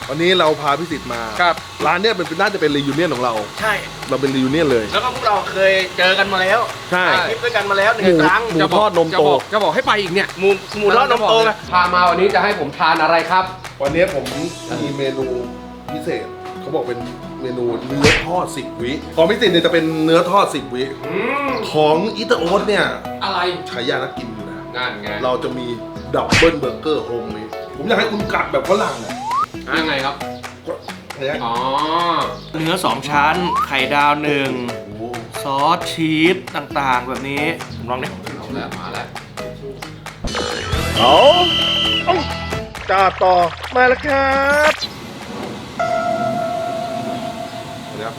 วันนี้เราพาพิสิทธิ์มาครับร้านเนี้ยน่าจะเป็นรียูเนียนของเราใช่เราเป็นรียูเนียนเลยแล้วก็พวกเราเคยเจอกันมาแล้วใช่คลิปด้วยกันมาแล้วหนึ่งครั้งหมูทอดนมโตจะบอกให้ไปอีกเนี่ยหมูทอดนมโตนะพามาวันนี้จะให้ผมทานอะไรครับวันนี้ผมมีเมนูพิเศษเขาบอกเป็นเมนูเนื้อทอด10 วิของพิสิทธิ์เนี่ยจะเป็นเนื้อทอด10 วิของอิตาโอ๊ตเนี่ยอะไรฉายานักกินอยู่นะนั่นไงเราจะมีดับเบิลเบอร์เกอร์โฮมเมดผมอยากให้คุณกัดแบบฝรั่งอ่ะยังไงครับอ๋อเนื้อ2ชั้นไข่ดาว1ซอสชีสต่างๆแบบนี้ผมลองดิเอาแล้วมาแล้วเอาจ่าต่อมาแล้วครับเดี๋ยว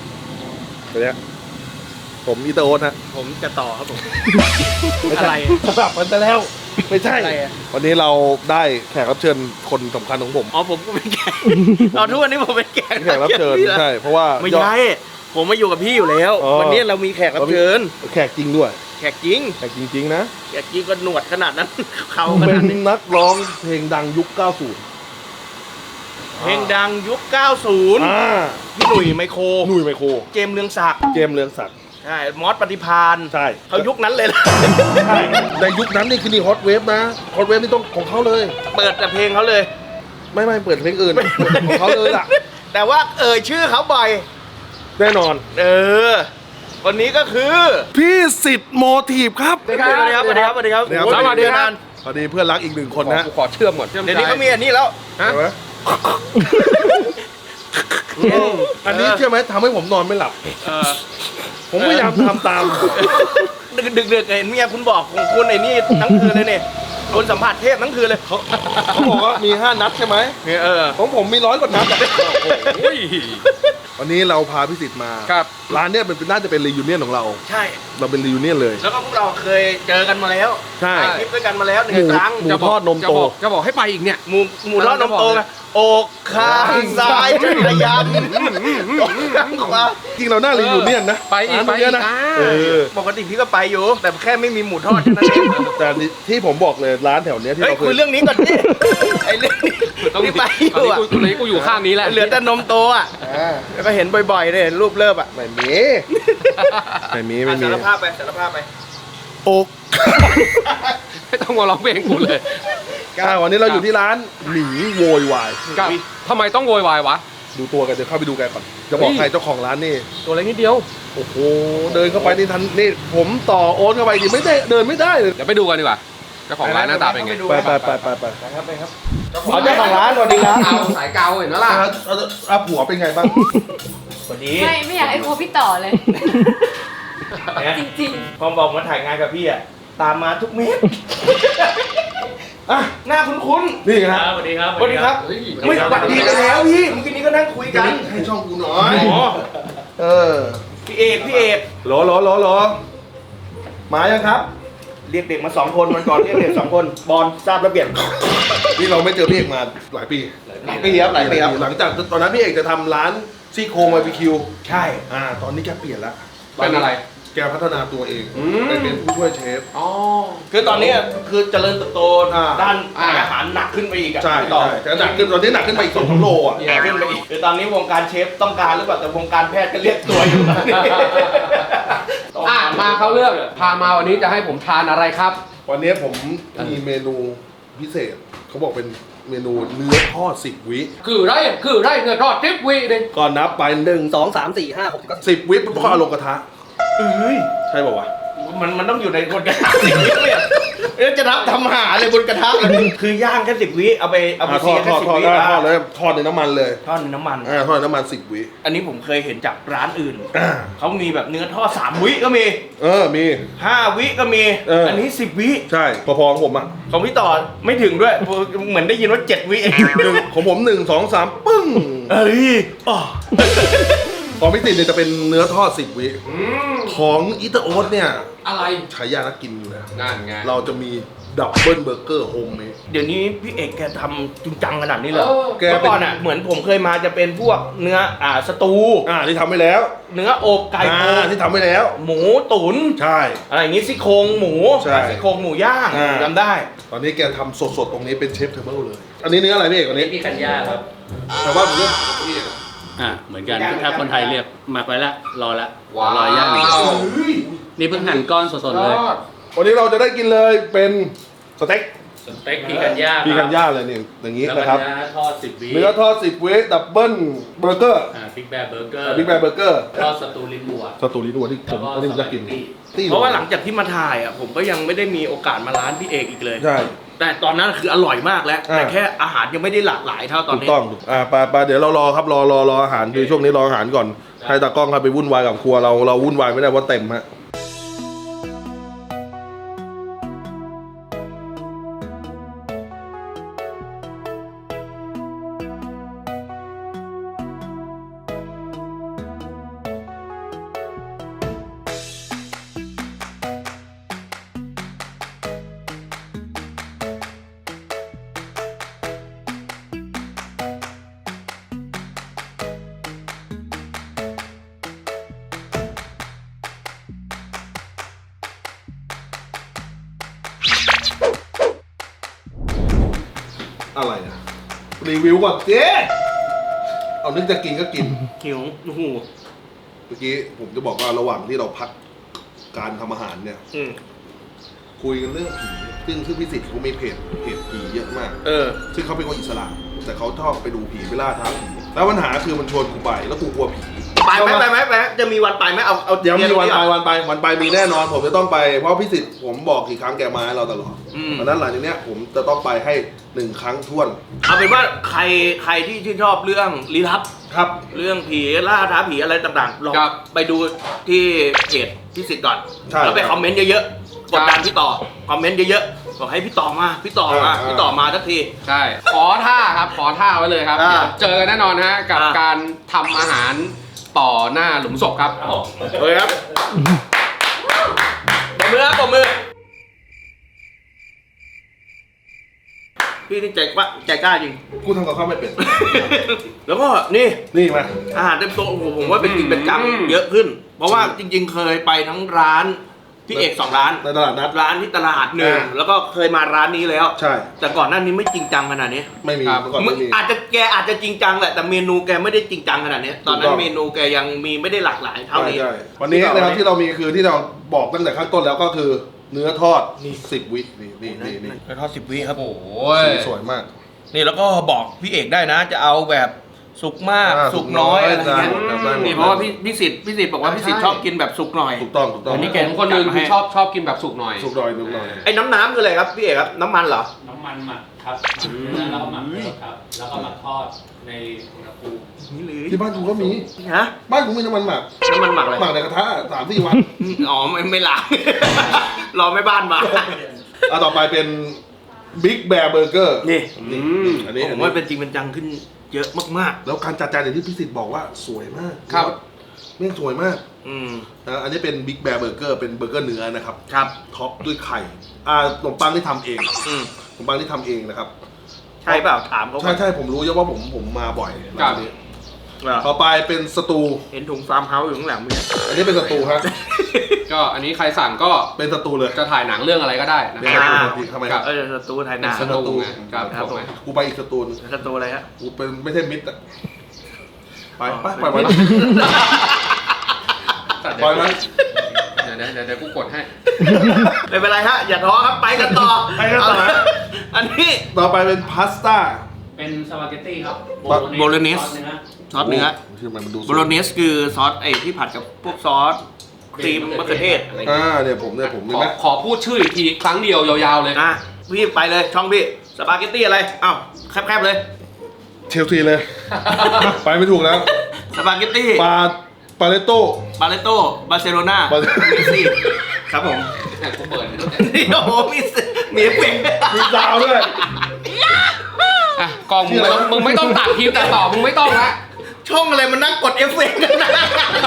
ผมอิตาโอ๊ตฮะผมจะต่อครับผมไม่อะใช่ไรสลับกันไปแล้วไม่ใช่อะไรอะวันนี้เราได้แขกรับเชิญคนสำคัญของผมอ๋อผมก็เป็นแขกเอาทุกวันนี้ผมเป็นแขกแขกรับเชิญใช่เพราะว่าไม่ใช่ผมมาอยู่กับพี่อยู่แล้วอ๋อวันนี้เรามีแขกรับเชิญแขกจริงด้วยแขกจริงแขกจริงๆนะแขกจริงก็หนวดขนาดนั้น เขาขเป็นาดนนี้นักร้องเพลงดังยุค 90 เพลงดังยุค 90 พี่หนุ่ยไมโครหนุ่ยไมโครเจมส์เรืองศักดิ์เจมส์เรืองศักดิ์ใช่มอสปฏิพานใช่เขายุคนั้นเลยล่ะใช่ในยุคนั้นนี่คือนี่ฮอตเวฟนะฮอตเวฟนี่ต้องของเขาเลยเปิดแต่เพลงเขาเลยไม่เปิดเพลงอื่นของเขาเลยล่ะแต่ว่าชื่อเขาบ่อยแน่นอนวันนี้ก็คือพี่สิทธิ์โมทีฟครับสวัสดีครับสวัสดีครับสวัสดีครับสวัสดีครับโอ้โหสวัสดีครับพอดีเพื่อนรักอีกหนึ่งคนนะขอเชื่อมก่อนเดี๋ยวนี้เขามีอันนี้แล้วฮะเห็นไหมอันนี้เชื่อไหมทำให้ผมนอนไม่หลับ ผมพยายามทำตามดึกๆเห็นเมียคุณบอกของคุณไอ้นี่ทั้งคืนเลยเนี่ยคนสัมผัสเทพทั้งคืนเลยเขาบอกว่ามี 5 นัดใช่ไหมเนี่ยของผมมี100 กว่านัดอะโอ้ยวันนี้เราพาพิสิทธิ์มาครับร้านเนี้ยน่าจะเป็นรียูเนียนของเราใช่เราเป็นรียูเนียนเลยแล้วก็พวกเราเคยเจอกันมาแล้วใช่ถ่ายคลิปด้วยกันมาแล้วหนึ่งครั้งหมูทอดนมโตจะบอกให้ไปอีกเนี่ยหมูทอดนมโตนะอกข้างซ้ายจักรยานอกข้างขวาจริงเราหน้ารียูเนียนนะไปอีกร้านเนี้ยนะไปอีกเออปกติพี่ก็ไปอยู่ แต่แค่ไม่มีหมูทอดแค่นั้นเองแต่ที่ผมบอกเลยร้านแถวเนี้ยที่เฮ้ยเราเคคุยยเรื่องนี้ก่อนดิไอ้เรื่องนี้ต้องที่ไปอยู่อ่ะตอนนี้กูอยู่ข้างนี้แหละเหลือแต่นมโตอ่ะอ่าแล้วก็เห็นบ่อยๆเลยรูปเลิฟอ่ะไม่มีไม่มีสารภาพไปสารภาพไปอกไม่ต้องมาร้องเพลงกูเลยวันนี้เราอยู่ที่ร้านหมีโวยวายกับทำไมต้องโวยวายวะดูตัวกันเดี๋ยวเข้าไปดูกันก่อนจะบอกเฮ้ยใครเจ้าของร้านนี่ตัวเล็กนิดเดียวโอ้โหเดินเข้าไปนี่ทันนี่ผมต่อโอนเข้าไปดิไม่ได้เดินไม่ได้เลยเดี๋ยวไปดูกันดีกว่าเจ้าของร้านหน้าตาเป็นไงไปครับไปครับเอาเจ้าของร้านสวัสดีครับเอาสายเกาเห็นไหมล่ะผัวเป็นไงบ้างสวัสดีไม่อยากให้โคพี่ต่อเลย จริงพอบอกมาถ่ายงานกับพี่อ่ะตามมาทุกเม็ดอ่ะหน้าคุ้นๆนี่ฮะสวัสดีครับสวัสดีครับเฮ้ยไม่สวัสดีกันแล้วพี่เมื่อกี้นี้ก็นั่งคุยกันให้ช่องกูหน่อยอ๋อเออพี่เอกหรอมายังครับเรียกเด็กมา2 คนวันก่อนเรียกเด็ก2 คนบอลทราบระเบียบนี่เราไม่เจอพี่เอกมาหลายปีหลายปีครับหลังจากตอนนั้นพี่เอกจะทำร้านซี่โครงบาร์บีคิวใช่ตอนนี้แกเปลี่ยนแล้วเป็นอะไรแกพัฒนาตัวเองไปเป็นผู้ช่วยเชฟอ๋อคือตอนนี้คือเจริญเติบโตอ่าด้านอาหารหนักขึ้นไปอีกอะใช่ต่อแต่หนักขึ้นตอนนี้หนักขึ้นไปอีก2-3 โลอ่ะหนักขึ้นไปอีกคือตอนนี้วงการเชฟต้องการหรือเปล่าแต่วงการแพทย์ก็เรียกตัวอยู่ตอนนี้มาเขาเรื่องพามาวันนี้จะให้ผมทานอะไรครับวันนี้ผมมีเมนูพิเศษเขาบอกเป็นเมนูเนื้อทอด10 วิคือไรเนื้อทอด10 วินึงก่อนนับไป1 2 3 4 5 6 10 วิปุ๊บก็เอาลงกระทะเฮ้ยใช่ป่าวะมันต้องอยู่ในบนกระทะสิบวิเนี่ยแล้วจะรับทำหาเลยบนกระทะเลยคือย่างแค่10 วิเอาไปทเสีอย ดแค่10 วิทอดเลยทอดในน้ำมันเลยทอดในน้ำมันทอดในน้ำมัน10 วิอันนี้ผมเคยเห็นจากร้านอื่นอ่าเขามีแบบเนื้อทอด3 วิก็มีมี 5 วิก็มี อันนี้10 วิใช่พอๆของผมอ่ะของพี่ต่อไม่ถึงด้วยเหมือนได้ยินว่า7 วิเองของผม1 2 3ปึ้งเอ้ยอ๋อของพี่ติดเนี่ยจะเป็นเนื้อทอด10 วิของอิตาโอ๊ตเนี่ยอะไรฉายานักกินอยู่นะนั่นไงเราจะมีดับเบิลเบอร์เกอร์โฮมเมดเดี๋ยวนี้พี่เอกแกทำจริงจังขนาดนี้เลยแกเมื่อเป็นก่อนอ่ะเหมือนผมเคยมาจะเป็นพวกเนื้อสตูที่ทำไปแล้วเนื้ออบไก่โคที่ทำไปแล้วหมูตุ๋นใช่อะไรอย่างงี้ซี่โครงหมูใช่ซี่โครงหมูย่างอ่าจำได้ตอนนี้แกทำสดๆตรงนี้เป็นเชฟเทเบิลเลย อันนี้เนื้ออะไรพี่เอกอันนี้พี่กัญญาครับแต่ว่าผมเลือกพี่เหมือนกันถ้าคนไทยเรียกหมักไว้ละรอละว้าวรอย่างอย่างเดียวนี่เพิ่งหั่นก้อนสดๆเลยวันนี้เราจะได้กินเลยเป็นสเต็กสเต็กพีกันย่าพีคันย่าเลยนี่อย่างนี้แล้วนะครับเนื้อทอด10 วิเนื้อทอด10 วิดับเบิ้ลเบอร์เกอร์บิ๊กแบร์เบอร์เกอร์บิ๊กแบร์เบอร์เกอร์ทอดสตูลิ้นวัวสตูดิโอที่ผมวันนี้ผมจะกินตี้เพราะว่าหลังจากที่มาถ่ายอ่ะผมก็ยังไม่ได้มีโอกาสมาร้านพี่เอกอีกเลยใช่แต่ตอนนั้นคืออร่อยมากแล้ว แต่แค่อาหารยังไม่ได้หลากหลายเท่าตอนถูกนี้ต้องไปเดี๋ยวเรารอครับรออาหารคือช่วงนี้รออาหารก่อนให้ตากล้องครับไปวุ่นวายกับครัวเราวุ่นวายไม่ได้เพราะเต็มฮะอะไรอะรีวิวก่อนเจ๊เอานึกจะกินก็กินหิวโอ้โหเมื่อกี้ผมจะบอกว่าระหว่างที่เราพักการทำอาหารเนี่ยอืมคุยกันเรื่องผีซึ่งพี่สิทธิ์เขามีเพจผีเยอะมาก ซึ่งเขาเป็นคนอิสระแต่เขาชอบไปดูผีไปล่าท้าผีแล้วปัญหาคือมันชวนกูไปแล้วกูกลัวผีไปไหมจะมีวันไปไหมเอาเดี๋ยวมีวันเดีไปมีแน่นอนผมจะต้องไปเพราะพี่สิทธิ์ผมบอกกี่ครั้งแกมาให้เราตลอดอืมเพราะฉะนั้นหลังจากเนี้ยผมจะต้องไปให้1 ครั้งท้วนเอาเป็นว่าใครที่ชื่นชอบเรื่องลี้ลับครับเรื่องผีล่าท้าผีอะไรต่างๆลองครับไปดูที่เพจพี่สิทธิ์ก่อนใช่แล้วไปคอมเมนต์เยอะๆกดดันพี่ต่อคอมเมนต์เยอะๆบอกให้พี่ต่อมาพี่ต่อมาสักทีใช่ขอท่าครับขอท่าไว้เลยครับอ่าเจอกันแน่นอนฮะกับอ่าการทำอาหารต่อหน้าหลุมศพครับเลยครับปรบมือครับปรบมือพี่นี่ใจกล้าจริงกูทำกับข้าวไม่เป็นแล้วก็นี่นี่มาอาหารเต็มโต๊ะโอ้โหผมว่าเป็นจริงเป็นจังอืมเยอะขึ้น เพราะว่าจริง ๆ เคยไปทั้งร้านพี่เอก2 ร้านในตลาดนัดร้านที่ตลาดหนึ่งอ่าแล้วก็เคยมาร้านนี้แล้วใช่แต่ก่อนหน้านี้ไม่จริงจังขนาดนี้ไม่มีครับเมื่อก่อนไม่มีแกอาจจะจริงจังแหละแต่เมนูแกไม่ได้จริงจังขนาดนี้ ตอนนั้ถูนกต้องเมนูแกยังมีไม่ได้หลากหลายเท่านี้ใช่วันนี้นะครับที่เรามีคือที่เราบอกตั้งแต่ข้างต้นแล้วก็คือเนื้อทอด10 วินี่กระทอด10 วิครับโอ้ยสีสวยมากนี่แล้วก็บอกพี่เอกได้นะ จะเอาแบบสุกมากอ่าสุกน้อยสุกน้อยอะไรเงี้ยได้หมดนี่เพราะว่าพี่สิทธิ์บอกว่าพี่สิทธิ์ชอบกินแบบสุกหน่อยถูกต้องอันนี้ผมคนหนึงคือชอบกินแบบสุกหน่อยสุกหน่อยไอ้น้ำคืออะไรครับพี่เอกครับน้ำมันเหรอน้ำมันหมักครับแล้วก็หมักเลยครับ แล้วก็มาทอดในอุณหภูมินี่เลยที่บ้านกูก็มีฮะบ้านกูมีน้ำมันหมักน้ำมันหมักอะไรหมักในกระทะ3-4 วันอ๋อไม่ล้าง รอแม่บ้านมาต่อไปเป็นบิ๊กแบร์เบอร์เกอร์นี่อันนี้ผมว่าเป็นจริงเป็นจังขึ้นเยอะมากแล้วการจัดจานอย่างที่พี่สิทธิ์บอกว่าสวยมากครับแม่งสวยมากๆ อืมนะอันนี้เป็นบิ๊กแบร์เบอร์เกอร์เป็นเบอร์เกอร์เนื้อนะครับครับท็อปด้วยไข่ขนมปังที่ทำเองอืมขนมปังที่ทำเองนะครับใช่เปล่าถามเขาก่อนใช่ผมรู้เยอะว่าผมมาบ่อยครับร้านนี้เหรอต่อไปเป็นสตูเห็นถุงฟาร์มเฮาส์อยู่ข้างหลังมึงเนี่ยอันนี้เป็นสตูฮะก็อันนี้ใครสั่งก็เป็นสตูเลยจะถ่ายหนังเรื่องอะไรก็ได้นะเดี๋ยวครับทำไมครับสตูไทยนาสตูไงครับครับผมกูไปอีกสตูนึงสตูอะไรฮะกูเป็นไม่ใช่มิตรอะไปอ๋อไปไปไปไหมเดี๋ยวกูกดให้ไม่เป็นไรฮะ อย่าท้อครับ ไปกันต่อไปกันต่ออันนี้ต่อไปเป็นพาสต้าเป็นสปาเกตตี้ครับโบโลเนสซอสเนื้อซอสเนื้อที่มันดูสวยโบโลเนสคือซอสไอ้ที่ผัดกับพวกซอสครีมมะเขือเทศอะไรอย่างเงี้ยเนี่ยผมเห็นไหมขอพูดชื่ออีกทีครั้งเดียวยาวๆเลยอ่ะพี่ไปเลยช่องพี่สปาเกตตี้อะไรอ้าวแคบๆเลยเชลซีเลย ไปไม่ถูกแล้วสปาเกตตี้ปาเลโต้บาเลโตบาร์เซโลนาบาร์เซเมสซี่ครับผมกูเปิดให้ดูนี่โอ้โหมีเอฟเฟกต์มีดาวด้วยอ่ะกล้องมึงไม่ต้องตัดคลิปแต่ต่อมึงไม่ต้องละช่องอะไรมันนั่งกดเอฟเฟกต์กันนะ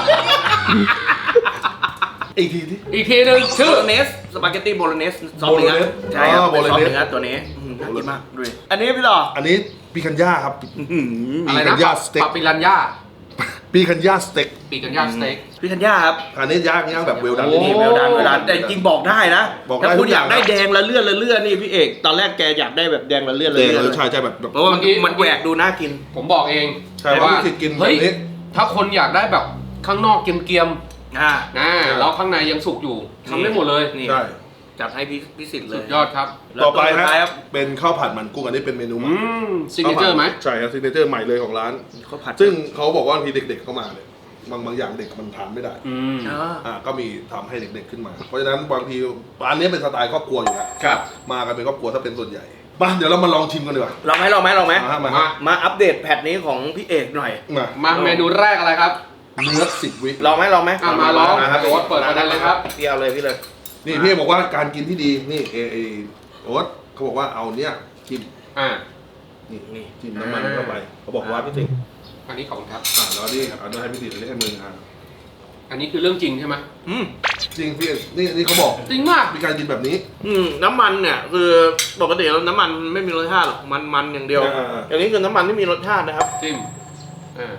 อีกทีที่อีกทีหนึงชื่ชื่ออเนสสปาเกตตี้โบโลเนสซอสเนื้อ Bolognese ใช่ครับอ๋อเป็นซอส Bolognese เนื้อตัวนี้น่ากินมากดูดิอันนี้พี่ต่ออันนี้ปิคันย่าครับอะไรกันะนย่าสเต็กปาปิรันย่าปีคันย่าสเต็กปีกันย่างสเต็กพี่ธัญญาครับอันนี้ย่างแบบเวลดันโอ้นี่เวลดันแต่จริงบอกได้นะบอกได้ถ้าคุณทุกอยอากได้แดงละเลื่อนนี่พี่เอกตอนแรกแกอยากได้แบบแดงละเลื่อนเออใช่ใช่แบบเพราะว่ามันแหวกดูน่ากินผมบอกเองใช่ว่าที่กินแบเฮ้ยบนี้ถ้าคนอยากได้แบบข้างนอกเกรียมอ่าๆนะแล้วข้างในยังสุกอยู่ทำได้หมดเลยนี่ใช่จัดให้พี่สิทธิ์เลสุยดยอดครับแล้วต่อไปตัวสุดท้ายฮะครับเป็นข้าวผัดมันกุ้งอันนี้เป็นเมนูใหม่ซิกเนเจอร์ไหมใช่ครับซิกเนเจอร์ใหม่เลยของร้านข้าวผัดซึ่งเขาบอกว่าบางทีเด็กๆเข้ามาเนี่ยบางอย่างเด็กมันทานไม่ได้อ่าก็มีทำให้เด็กๆขึ้นมา เพราะฉะนั้นบางทีร้านนี้เป็นสไตล์ครอบครัวอยู่แล้วครับมากันเป็นครอบครัวถ้าเป็นส่วนใหญ่มาเดี๋ยวเรามาลองชิมกันดีกว่าลองไหมมาฮะมาอัปเดตแพทนี้ของพี่เอกหน่อยมามาเมนูแรกอะไรครับเนื้อ10 วิลองไหมมาลองครับโอ๊ตเปิดประเด็นเลยครับพี่เอาเลยพี่เลยนี่พี่บอกว่าการกินที่ดีนี่โอ๊ตเขาบอกว่าเอาเนี้ยจิ้มอ่านี่จิ้มน้ำมันเข้าไปเขาบอกว่าพี่ติ๊กอันนี้ของครับแล้วนี่เอาด้วยให้พี่ติ๊กเรียกให้มึงอ่ะอันนี้คือเรื่องจริงใช่ไหมจริงพี่นี่เขาบอกจริงมากมีการกินแบบนี้น้ำมันเนี่ยคือปกติแล้วน้ำมันไม่มีรสชาติหรอกมันอย่างเดียวอ่าอย่างนี้คือน้ำมันที่มีรสชาตินะครับจิ้มอ่า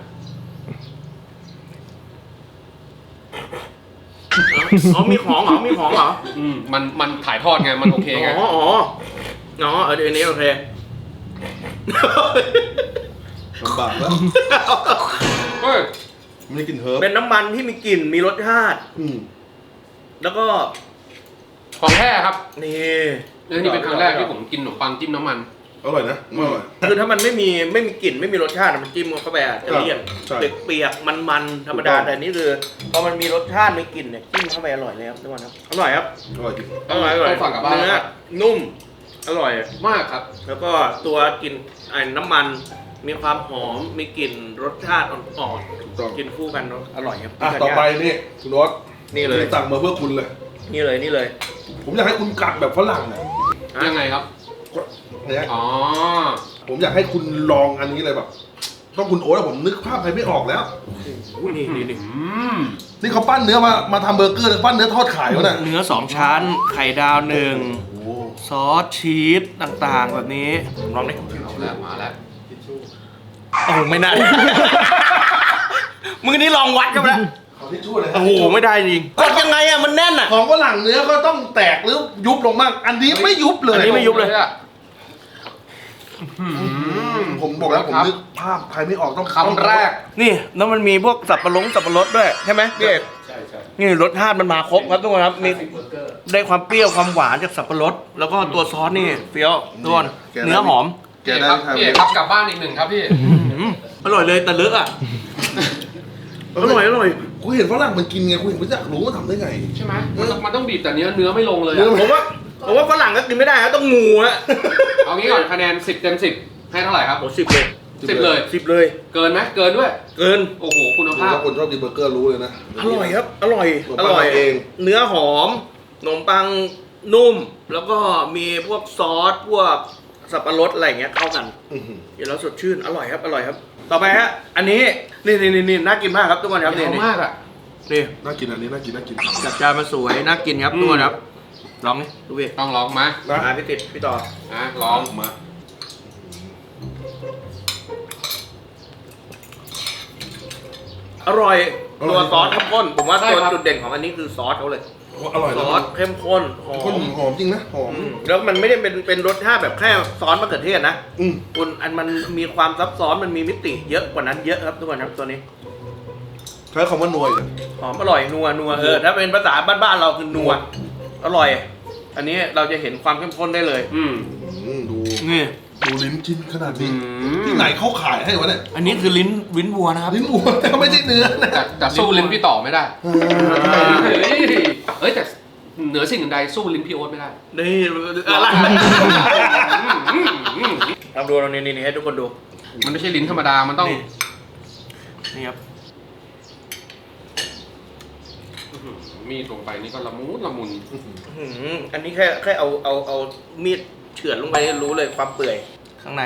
อ๋อมีของเหรอมีของเหรอมันถ่ายทอดไงมันโอเคไงอ๋ออันนี้โอเคลำบากแล้วเฮ้ยไม่ได้กินเฮิร์บเป็นน้ำมันที่มีกลิ่นมีรสชาติ แล้วก็ของแท้ครับนี่นี่เป็นครั้งแรกที่ผมกินขนมปังจิ้มน้ำมันอร่อยนะอร่อยคือถ้ามันไม่มีกลิ่นไม่มีรสชาติมันจิ้มเข้าไปอาจจะเลี่ยนใช่เปียกๆมันธรรมดาถูกต้องแต่นี่คือพอมันมีรสชาติมีกลิ่นเนี่ยจิ้มเข้าไปอร่อยเลยครับทุกคนครับอร่อยครับอร่อยจริงอร่อยต้องสั่งกลับบ้านเนื้อครับนุ่มอร่อยมากครับแล้วก็ตัวกลิ่นน้ำมันมีความหอมมีกลิ่นรสชาติอ่อนถูกต้องๆกินคู่กันแล้วอร่อยครับต่อไปนี่คุณโอ๊ตนี่เลยสั่งมาเพื่อคุณเลยนี่เลยผมอยากให้คุณกัดแบบฝรั่งอ่ะยังไงครับเนี่ยอ๋อผมอยากให้คุณลองอันนี้เลยแบบ ต้องคุณโอ๊ตอะผมนึกภาพใครไม่ออกแล้วนี่นี่เขาปั้นเนื้อมาทำเบอร์เกอร์หรือปั้นเนื้อทอดขายวะเนี่ยเนื้อ2ชั้นไข่ดาว1 โอ้โหซอสชีสต่างๆ แบบนี้ลองดิเอาแล้วมาแล้วโอ้ไม่น่า มือนี้ลองวัดกันไปแล้วขอทิชชู่เลยโอ้โหไม่ได้จริงกดยังไงอะมันแน่นอะของฝรั่งเนื้อก็ต้องแตกหรือยุบลงบ้างอันนี้ไม่ยุบเลยอันนี้ไม่ยุบเลยผมบอกแล้วผมครับนึกภาพใครไม่ออกต้องคำแรกนี่แล้วมันมีพวกสับปะรดด้วยใช่ไหมพี่เอกใช่ใช่นี่รสชาติมันมาครบครับทุกคนครับมีได้ความเปรี้ยวความหวานจากสับปะรดแล้วก็ตัวซอสนี่เฟี้ยวทุกคนเนื้อหอมแกพี่ได้ครับใช่ไหมพี่ครับกลับบ้านอีกหนึ่งครับพี่อร่อยเลยแต่เลอะอะอร่อยกูเห็นฝรั่งมันกินไงกูเห็นไม่อยากรู้ว่าทำได้ไงใช่ไหมมันต้องบีบแต่เนื้อไม่ลงเลยเนื้อะผมว่าฝรั่งก็กินไม่ได้ครับต้องงูฮะเอางี้ก่อนคะแนน10 เต็ม 10 ให้เท่าไหร่ครับโอ้10 เลย 10 เลย 10 เลยเกินไหมเกินด้วยเกินโอ้โหคุณดูภาพว่าคนชอบกินเบอร์เกอร์รู้เลยนะอร่อยครับอร่อยขนมปังทำเองเนื้อหอมขนมปังนุ่ม แล้วก็มีพวกซอสพวกสับปะรดอะไรอย่างเงี้ยเข้ากันอื้อหือกินแล้วสดชื่นอร่อยครับต่อไปฮะอันนี้นี่น่ากินมากครับทุกคนครับยาวมากอ่ะนี่น่ากินอันนี้น่ากินจัดจานมาสวยน่ากินครับทุกคนครับลองนี่ดูพี่ต้องลองมานะพี่ติดพี่ต่อลองมาอร่อยตัวซอสเข้มข้นผมว่าตัวจุดเด่นของอันนี้คือซอสเขาเลยอร่อยซอสเข้มข้นหอข้นมหอมจริงนะหอมแล้วมันไม่ได้เป็นรสชาติแบบแค่ซอสมะเขือเทศนะอืมคุณมันมีความซับซ้อนมันมีมิติเยอะกว่านั้นเยอะครับทุกคนครับตัวนี้ใช้คำว่านัวเลยหอมอร่อยนัวถ้าเป็นภาษาบ้านๆเราคือนัวอร่อย อันนี้เราจะเห็นความเข้มข้นได้เลยดูนี่ดูลิ้นชิ้นขนาดนี้ที่ไหนเขาขายให้วะเนี่ยอันนี้คือลิ้นวัวนะครับลิ้นวัวแต่ไม่ใช่เนื้อนะแต่สู้ลิ้นพี่ต่อไม่ได้ เฮ้ยแต่เหนือสิ่งอื่นใดสู้ลิ้นพี่โอ๊ตไม่ได้นี่อะไรทำดูเรานี่ให้ทุกคนดูมันไม่ใช่ลิ้นธรรมดา มันต้องนี่ครับมีดลงไปนี่ก็ละมุนอันนี้แค่เอามีดเฉือนลงไปรู้เลยความเปื่อยข้างใน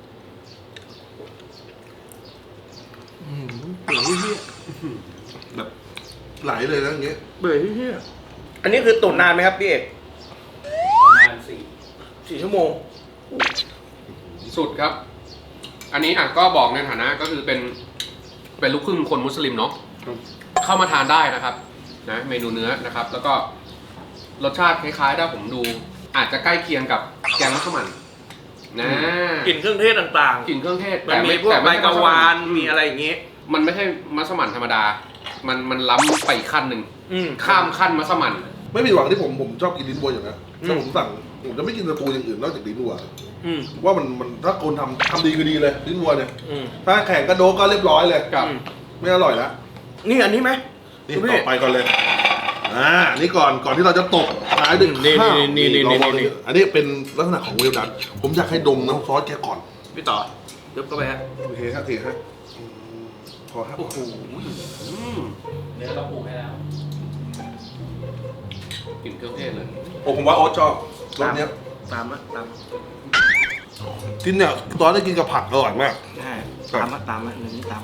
เปื่อยเหี้ยแบบไหลเลยนะอย่างเงี้ยเปื่อยเหี้ยอันนี้คือตุ๋นนานไหมครับพี่เอกประมาณ 4 ชั่วโมงสุดครับ อันนี้ก็บอกในฐานะก็คือเป็นเป็นลูกครึ่งคนมุสลิมเนาะเข้ามาทานได้นะครับนะเมนูเนื้อนะครับ แล้วก็รสชาติคล้ายๆถ้าผมดูอาจจะใกล้เคียงกับแกงมัสมั่นนะกลิ่นเครื่องเทศต่างกลิ่นเครื่องเทศๆมันมีพวกใบกะวานมีอะไรอย่างงี้มันไม่ใช่มัสมั่นธรรมดา มันล้ำไปอีกขั้นหนึ่งอืมข้ามขั้นมัสมั่นไม่ผิดหวังที่ผมชอบกินลิ้นวัวอยู่นะถ้าผมสั่งผมจะไม่กินสตูอย่างอื่นนอกจากลิ้นวัวอืมว่ามันถ้าคนทำดีคือดีเลยลิ้นวัวเนี่ยอืมถ้าแข่งกระโดกก็เรียบร้อยเลยกับไม่อร่อยแล้วนี่อันนี้ไหมนี่คุณพี่ต่อไปก่อนเลยนี่ก่อนที่เราจะตกท้ายด้วยนี่ข้าวนี่ลองนี่อันนี้เป็นลักษณะของเวลดันผมอยากให้ดมน้ำซอสแกก่อนพี่ต่อเดี๋ยวก็ไปฮะโอเคฮะพอฮะโอ้โหเนื้อเราปรุงให้แล้วกลิ่นเครื่องเทศเลยโอ้ผมว่าโอ๊ตชอบรสเนี้ยตามกินเนี่ยตอนได้กินกับผักอร่อยมากใช่ครับตามอันนี้ตามมา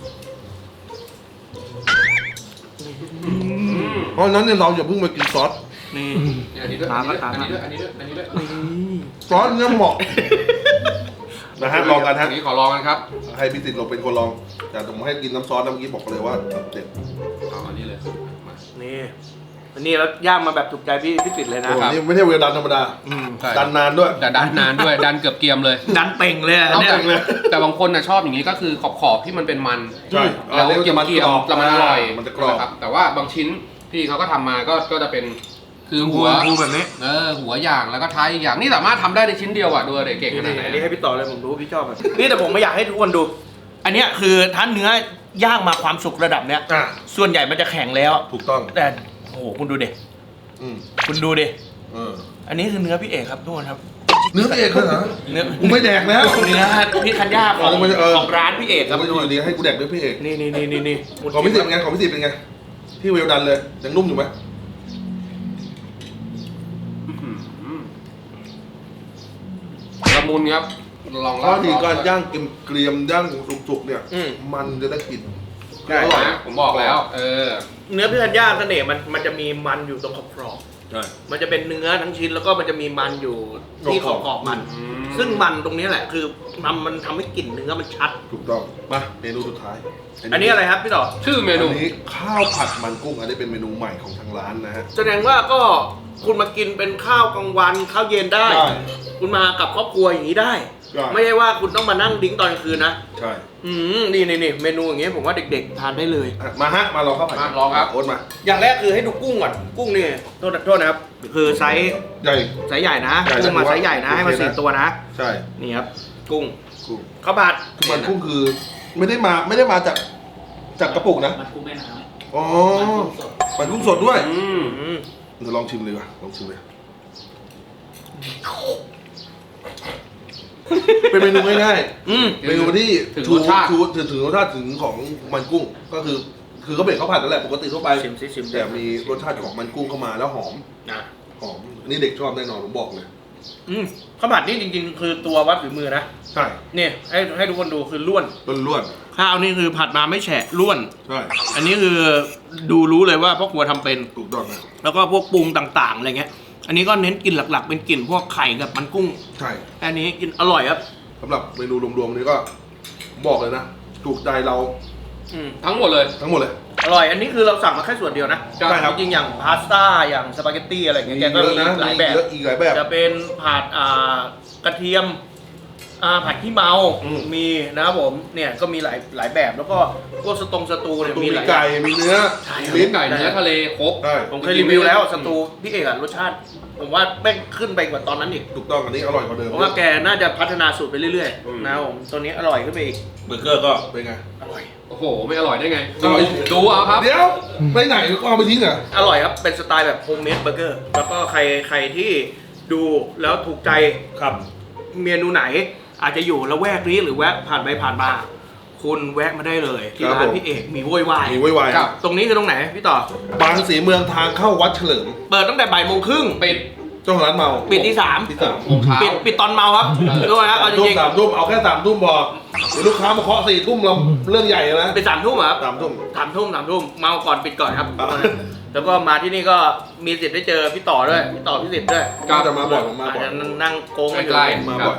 เพราะฉะนั้นเนี่ยเราอย่าเพิ่งมากินซอสนี่อันนี้ด้วยตามอันมานี้ด้วยอันนี้ด้วยอันนี้ด้วยอันนี้ด้วยซอสเนี่ยเหมาะนะฮะลองกันฮะอันนี้ขอลองกันครับให้พิสิทธิ์เราเป็นคนลองแต่ผมให้กินน้ำซอสนะเมื่อกี้บอกเลยว่าเด็ดเอาอันนี้เลยมานี่อันนี้แล้วย่างมาแบบถูกใจพี่ติดเลยนะโอ้นี่ไม่ใช่เวลดันธรรมดาใช่ดันนานด้วยแต่ดันนานด้วยดันเกือบเกรียมเลยดันเป่งเลยอะเอาเนี่ยแต่บางคนน่ะชอบอย่างนี้ก็คือขอบที่มันเป็นมันใช่แล้วอันนี้เกรียมมันเกรียมกรอบแล้วมันอร่อยมันจะกรอบนะครับแต่ว่าบางชิ้นที่เขาก็ทำมาก็จะเป็นคือหัวพูแบบนี้หัวอย่างแล้วก็ท้ายอีกอย่างนี่สามารถทำได้ในชิ้นเดียวอ่ะดูเด็กเก่งขนาดไหนอันนี้ให้พี่ต่อเลยผมรู้พี่ชอบแบบนี่แต่ผมไม่อยากให้ทุกคนดู อันเนี้ยคือถ้าเนื้อย่างมาความสุกระดับเนี้ยอ่ะส่วนใหญ่มันจะแข็งแล้วถูกต้องแต่โอ้โหคุณดูดิอืมคุณดูดิเอออันนี้คือเนื้อพี่เอกครับทุกคนครับเนื้อพี่เอกเลยเหรอเนื้อกูไม่แดกแล้วเนื้อพี่ธัญญาของเอาไม่ได้เออของร้านพี่เอกครับไม่ทุกดูคนดีให้กูแดกด้วยพี่เอกนี่ของพิสิทธิ์เป็นไงของพิสิทธิ์เป็นไงที่เวลดันเลยยังนุ่มอยู่ไหมละมุนครับลองข้อดีการย่างเกรียมย่างสุกๆเนี่ยอืมมันจะได้กลิ่นใช่อร่อยนะผมบอกแล้วเนื้อพี่ธัญญาเสน่ห์มันจะมีมันอยู่ตรงขอบใช่ๆมันจะเป็นเนื้อทั้งชิ้นแล้วก็มันจะมีมันอยู่ที่ขอบๆมันมซึ่งมันตรงนี้แหละคือมันทำให้กลิ่นเนื้อมันชัดถูกต้องมาเมนูสุดท้ายอันนี้อะไรครับพี่ต่อชื่อเมนูอันนี้ข้าวผัดมันกุ้งอันนี้เป็นเมนูใหม่ของทางร้านนะฮะแสดงว่าก็คุณมากินเป็นข้าวกลางวันข้าวเย็นได้ได้คุณมากับครอบครัวอย่างนี้ได้ได้ไม่ใช่ว่าคุณต้องมานั่งดิ้งตอนกลางคืนนะใช่นี่เมนูอย่างเงี้ยผมว่าเด็กๆทานได้เลยอ่ะมาฮะมาลองข้าวผัดมาลองครับโอ๊ตมาอย่างแรกคือให้ดูกุ้งก่อนกุ้งนี่โทษนะครับคือไซส์ใหญ่ใหญ่นะใหญ่กุ้งมาแต่ว่าไซส์ใหญ่นะให้มาโอเคนะ 4 ตัวนะใช่นี่ครับกุ้งกุ้งข้าวผัดคือมันกุ้งคือไม่ได้มาจากกระปุกนะมันกุ้งแม่น้อ๋อำมันกุ้งสดมันกุ้งสดด้วยอืมเดี๋ยวลองชิมเลยว่ะลองชิมเลย เป็นเมนูง่ายอืมๆเมนูที่ถึงรสชาติถึงรสชาติถึงของมันกุ้งก็คือเขาเป็นข้าวผัดนั่นแหละปกติทั่วไปชิมซิชิมแต่มีรสชาติของมันกุ้งเข้ามาแล้วหอมนะหอมอันนี่เด็กชอบแน่นอนผมบอกเลยข้าวผัดนี่จริงๆ คือตัววัดฝีมือนะใช่นี่ให้ทุกคนดูคือล้วนล้วนข้าวนี่คือผัดมาไม่แฉะล้วนๆใช่อันนี้คือดูรู้เลยว่าพ่อครัวทำเป็นถูกต้องนะแล้วก็พวกปรุงต่างๆอะไรเงี้ย อันนี้ก็เน้นกลิ่นหลักๆ เป็นกลิ่นพวกไข่กับมันกุ้งใช่อันนี้กินอร่อยครับสำหรับเมนูรวมๆนี้ก็บอกเลยนะ ถูกใจเราทั้งหมดเลยทั้งหมดเลยอร่อย อันนี้คือเราสั่งมาแค่ส่วนเดียวนะใช่ครับจริงๆอย่างพาสต้าอย่างสปาเกตตี้อะไรเงี้ยแกก็เยอะมีนะหลายแบบเยอะอีกหลายแบบจะเป็นผัดกระเทียมผัดขี้เมาอืมมีนะครับผมเนี่ยก็มีหลายแบบแล้วก็พวกสตูเนี่ยตูมีมีหลายไก่มีเนื้อใช่มีครับลิ้นไก่เนื้อทะเลครบใช่ผมเคยรีวิวแล้วสตูพี่เอกอะรสชาติ ผมว่าแม่งขึ้นไปกว่าตอนนั้นอีกถูกต้องอันนี้อร่อยกว่าเดิมเพราะว่าแกน่าจะพัฒนาสูตรไปเรื่อยๆนะครับผมตัวนี้อร่อยขึ้นไปอีกเบอร์เกอร์ก็เป็นไงอร่อยโอ้โห ไม่อร่อยได้ไงอร่อยดูเอาครับเดี๋ยวไปไหนก็เอาไปทิ้งเหรออร่อยครับเป็นสไตล์แบบโฮมเมดเบอร์เกอร์แล้วก็ใครที่ดูแล้วถูกใจครับเมนูไหนอาจจะอยู่ละแวกนี้หรือแวะผ่านไปผ่านมาคุณแวะมาได้เลยที่ครับร้านผมพี่เอกมีโวยวายมีไว้ไวครับตรงนี้คือตรงไหนพี่ต่อบางสีเมืองทางเข้าวัดเฉลิมเปิดตั้งแต่บ่ายโมงครึ่งปิดเจ้าของร้านเมาปิดที่ที่สามโมงเช้าปิดตอนเมาครับด้วยครับเอาจทุ่มริงสามทุ่มเอาแค่3 ทุ่มพอเดี๋ยวลูกค้ามาเคาะ4 ทุ่มเราเรื่องใหญ่นะๆปิด3 ทุ่มเหรอครับ 3 ทุ่ม 3 ทุ่มเมาก่อนปิดก่อนครับอ่าแล้วก็มาที่นี่ก็มีสิทธิ์ได้เจอพี่ต่อด้วยพี่ต่อพี่สิทธิ์ด้วยก็จะมาบ่อยผมมาอาจบ่อยจะนั่งโกงกันอยู่ใกล้มาบ่อย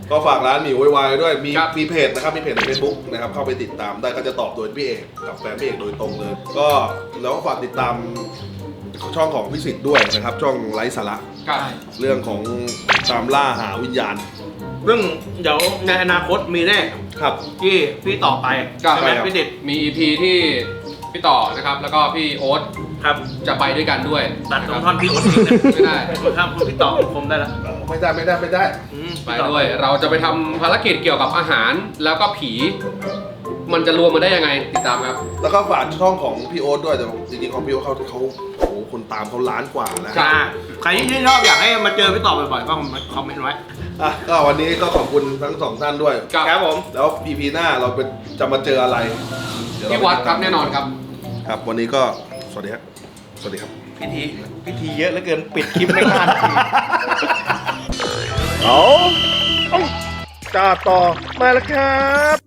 ก็ฝากร้านหมี่วายด้วยมีครับมีเพจนะครับมีเพจใน Facebook นะครับเข้าไปติดตามได้ก็จะตอบโดยพี่เอกกับแฟนพี่เอกโดยตรงเลย ก็แล้วก็ฝากติดตามช่องของพี่สิทธิ์ด้วยนะครับช่องไร้สาระครับเรื่องของตามล่าหาวิญญาณซึ่งเดี๋ยวในอนาคตมีแน่ครับที่พี่ต่อไปครับใช่ไหมครับพี่ดิดมี EP ที่พี่ต่อนะครับ แล้วก็พี่โอ๊ตครับจะไปด้วยกันด้วยตัดตรงะท่คอบ นพี่โอ๊ตทิ้งนะไม่ได้ครับพี่ต่อคมได้แล้วไม่ได้ไม่ได้ไม่ได้ไปด้วย เราจะไปทำภารกิจเกี่ยวกับอาหารแล้วก็ผี มันจะรวมมาได้ยังไงติดตามครับแล้วก็ฝากช่องของพี่โอ๊ตด้วยแต่จริงๆของพี่โอ๊ตเขาโอ้โหคนตามเขาล้านกว่านะครัจ้าใครที่ชอบอยากให้มาเจอพี่ต่อบ่อยๆก็คอมเมนต์ไว้อ่ะก็วันนี้ก็ขอบคุณทั้งสองท่านด้วยครับครับผมแล้ว EP หน้าเราจะมาเจออะไรเยเาที่วัดครับแน่นอนครับครับวันนี้ก็สวัสดีครับสวัสดีครับพิธีเยอะเหลือเกินปิดคลิปไม่ทันเอาจ้าต่อมาแล้วครับ